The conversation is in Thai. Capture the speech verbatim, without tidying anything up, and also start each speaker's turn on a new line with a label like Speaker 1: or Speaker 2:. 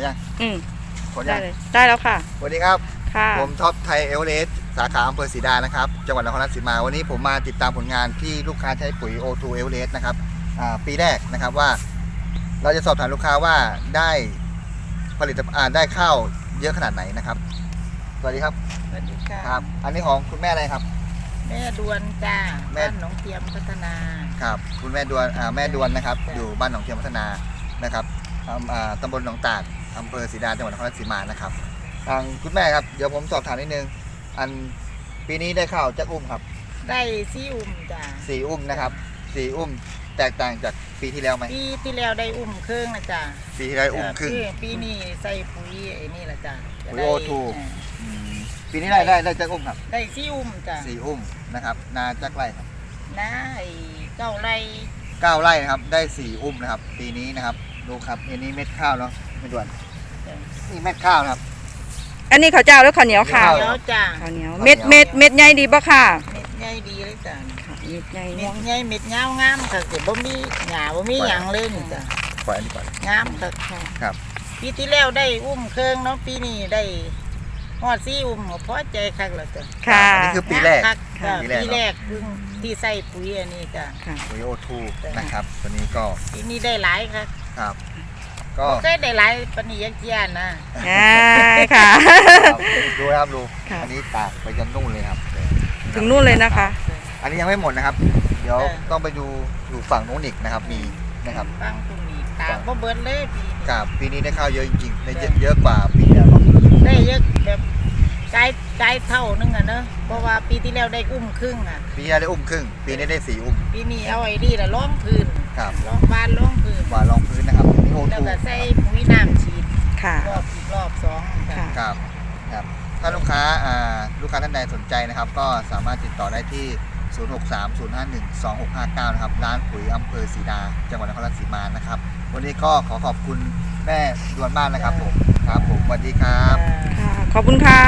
Speaker 1: ยัง
Speaker 2: อืม
Speaker 1: ขน
Speaker 2: ได้
Speaker 1: ยัง
Speaker 2: เลยได้แล้วค่ะ
Speaker 1: สวัสดีครับ
Speaker 2: ค่ะ
Speaker 1: ผมท็อปไทยเอเวอเรสต์สาขาอำเภอศรีดานะครับจังหวัดนครราชสีมาวันนี้ผมมาติดตามผลงานที่ลูกค้าใช้ปุ๋ย โอ ทู เอเวอเรสต์นะครับปีแรกนะครับว่า เราจะสอบถามลูกค้าว่าได้ผลิตภัณฑ์ได้ข้าวเยอะขนาดไหนนะครับสวัสดีครับ
Speaker 3: สวัสดีค่ะ
Speaker 1: ครับ อันนี้ของคุณแม่อะไรครับ
Speaker 3: แม่ดวนจ้า
Speaker 1: แม่
Speaker 3: บ้านหนองเทียมพัฒนา
Speaker 1: ครับคุณแม่ดวนอ่าแม่ดวนนะครับ
Speaker 3: จ้ะ
Speaker 1: อยู่บ้านหนองเทียมพัฒนานะครับอำอ่าตำบลหนองตาดอำเภอศรีดาจังหวัดนครราชสีมานะครับทางคุณแม่ครับเดี๋ยวผมสอบถามนิดนึงอันปีนี้ได้ข้าวจักอุ้มครับ
Speaker 3: ได้ซีอุ่มจ้า
Speaker 1: สี่อุ้มนะครับสี่อุ้มแตกต่างจากปีที่แล้วไหม
Speaker 3: ปีที่แล้วได้อุ่มครึ่งนะจ้า
Speaker 1: ปีที่แล้วอุ้มครึ่ง
Speaker 3: เออปีนี้ใส่ปุ๋ยไอ้นี่ละจ้า
Speaker 1: ปุ๋ย โอ ทู อืมปีนี้ได้ได้ได้จักอุ้มครับ
Speaker 3: ได้ซีอุ่มจ้า
Speaker 1: สี่อุ้มนะครับนาจักไร่ครับ
Speaker 3: น้าไอ้เก้าไร่
Speaker 1: เก้าไร่นะครับได้สี่อุ้มนะครับปีนี้นะครับดูครับอันนี้เม็ดข้าวเนาะไม่ด่วนนี่เม็ดข้าวนะครับ
Speaker 2: อันนี้ข้าวเจ้าแล้วข้าวเหนียวค่ะ
Speaker 1: ข้าว
Speaker 3: เดี๋ยวจ้า
Speaker 2: ข้าวเหนียวเม็ดเม็ดเม็ดใหญ่ดีปะค่ะ
Speaker 3: เม็ดใหญ่ดีเลยจ้า
Speaker 2: ค่ะเม็ดใหญ่
Speaker 3: เม็
Speaker 2: ม่ว
Speaker 3: ด
Speaker 2: ง
Speaker 3: ใหญ่เม็ดยาวงามค่ะเกิดบ่มีหญ้าบ่มีหยังเลยนี่จ้า
Speaker 1: ปล่อยอันนี้ก่อน
Speaker 3: งามค่ะ
Speaker 1: ครับ
Speaker 3: ปีที่แล้วได้อุ้มเครื่องเนาะปีนี้ได้ฮอดซีอุ่มก็พอใจคักแล้วจ้ะ
Speaker 2: ค่ะ
Speaker 1: อันนี้คือปีแรก
Speaker 3: คักจ้ะ
Speaker 1: ปีแรก
Speaker 3: ปีแรกเพิ่งที่ใส่ปุ๋ยอันนี้จ้ะ
Speaker 2: ค่ะ
Speaker 1: ปุ๋ย โอ ทู นะครับตัวนี้ก็
Speaker 3: ปีนี้ได้หลายครับ
Speaker 1: ครับ ก็
Speaker 3: บ่เคยได้หลายปานนี้ยักเจียนนะ
Speaker 2: อ่าค่ะ
Speaker 1: ครับดูนะครับดู
Speaker 2: ค่ะ
Speaker 1: อันนี้ตากไปจนนู่นเลยครับ
Speaker 2: ถึงนู่นเลยนะคะ
Speaker 1: อันนี้ยังไม่หมดนะครับ เดี๋ยว
Speaker 3: เออ
Speaker 1: ต้องไปดูอยู่ฝั่งนู้นอีกนะครับมีนะครับ
Speaker 3: ฟังตรงนี้ตากบ่เบิดเลยปีนี้
Speaker 1: กับปีนี้ได้ข้าวเยอะจริงๆได้เยอะเยอะกว่าปีที่แล้วเนาะ
Speaker 3: ได้เยอะแบบกายกายเท่านึงอ่ะเนอะเพราะว่าปีที่แล้วได้อุ้มครึ่งอ่ะ
Speaker 1: ปีที่แล้วได้อุ้มครึ่งปีนี้ได้สี่อุ้ม
Speaker 3: ปีนี้เอาไอ้นี่ละล้อมพื้น
Speaker 1: ครับ
Speaker 3: ล้อมบ้านล้อมพื้น
Speaker 1: กว่ารองพื้นนะครับนี่โอ
Speaker 3: แล้ว
Speaker 1: ทู
Speaker 3: ก็ใส่ปุ๋ยน้ำฉีด
Speaker 2: ค่ะ
Speaker 3: รอบอีกรอบสองจ้ะ
Speaker 2: ค่ะ
Speaker 1: ครับครับถ้าลูกค้าอ่าลูกค้าท่านใดสนใจนะครับ ก็สามารถติดต่อได้ที่ ศูนย์ หก สาม ศูนย์ ห้า หนึ่ง สอง หก ห้า เก้า นะครับร้านปุ๋ยอำเภอศรีดาจังหวัดนครราชสีมานะครับ วันนี้ก็ขอขอบคุณแม่ดวนมากนะครับผมครับผมสวัสดีครับ
Speaker 2: ค่ะ ขอบคุณค่ะ